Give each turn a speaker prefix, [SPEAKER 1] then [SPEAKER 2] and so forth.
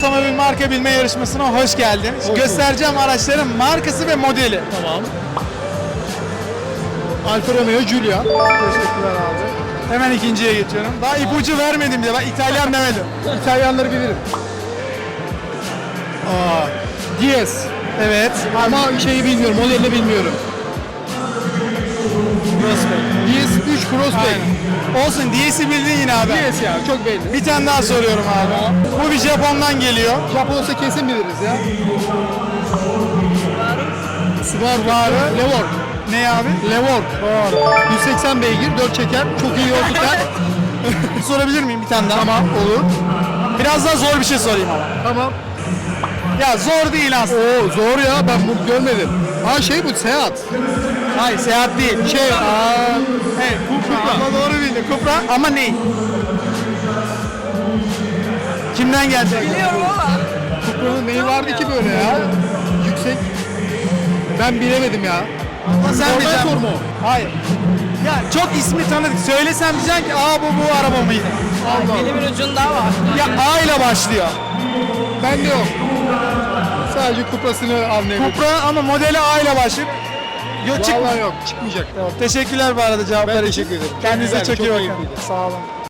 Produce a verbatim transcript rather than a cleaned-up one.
[SPEAKER 1] Otomobil marka bilme yarışmasına hoş geldin.
[SPEAKER 2] Hoş
[SPEAKER 1] Göstereceğim araçların markası ve modeli.
[SPEAKER 2] Tamam. Alfa Romeo Giulia.
[SPEAKER 1] Teşekkürler abi. Hemen ikinciye geçiyorum. Daha ipucu vermedim bile. Ben İtalyan demedim.
[SPEAKER 2] İtalyanları bilirim. Aa, Diez.
[SPEAKER 1] Evet.
[SPEAKER 2] Ama şeyi bilmiyorum, modelini bilmiyorum.
[SPEAKER 1] Crossback.
[SPEAKER 2] Diez üç Crossback.
[SPEAKER 1] Aynen. Olsun. D'si bildin yine abi.
[SPEAKER 2] Diez ya, çok belli.
[SPEAKER 1] Bir tane daha soruyorum abi. Bu bir Japon'dan geliyor.
[SPEAKER 2] Japon olsa kesin biliriz ya. Subaru.
[SPEAKER 1] Subaru.
[SPEAKER 2] Levorg.
[SPEAKER 1] Ne abi?
[SPEAKER 2] Levorg. yüz seksen beygir, dört çeker, çok iyi yol tutar.
[SPEAKER 1] Sorabilir miyim bir tane daha?
[SPEAKER 2] Tamam, olur.
[SPEAKER 1] Biraz daha zor bir şey sorayım ama.
[SPEAKER 2] Tamam.
[SPEAKER 1] Ya zor değil aslında.
[SPEAKER 2] Oo, zor ya, ben bunu görmedim. Ha şey bu, Seat.
[SPEAKER 1] Hayır, seyahat değil.
[SPEAKER 2] Şey, aa,
[SPEAKER 1] Evet, Cupra. Ama doğru bildin. Cupra ama ne? Kimden gelecek?
[SPEAKER 3] Biliyorum ama.
[SPEAKER 2] Cupra'nın neyi vardı ki böyle ya? Yüksek. Ben bilemedim ya.
[SPEAKER 1] Ama sen
[SPEAKER 2] Normal
[SPEAKER 1] bileceksin.
[SPEAKER 2] soru mu?
[SPEAKER 1] Hayır. Ya çok ismi tanıdık. Söylesem diyeceksin ki aa bu bu araba mıydı?
[SPEAKER 2] Allah.
[SPEAKER 3] Dilimin ucunda var.
[SPEAKER 1] Ya A ile başlıyor.
[SPEAKER 2] Bende yok. Sadece Cupra'sını anlayabilirim.
[SPEAKER 1] Cupra ama modeli A ile başlıyor. Yok çık.
[SPEAKER 2] Vallahi yok, çıkmayacak.
[SPEAKER 1] Teşekkürler bu arada cevaplar
[SPEAKER 2] Ben
[SPEAKER 1] için.
[SPEAKER 2] teşekkür ederim.
[SPEAKER 1] Kendinize
[SPEAKER 2] Çok
[SPEAKER 1] çok iyi
[SPEAKER 2] güzel,
[SPEAKER 1] bakın.
[SPEAKER 2] çok keyifliydi.
[SPEAKER 1] Sağ olun.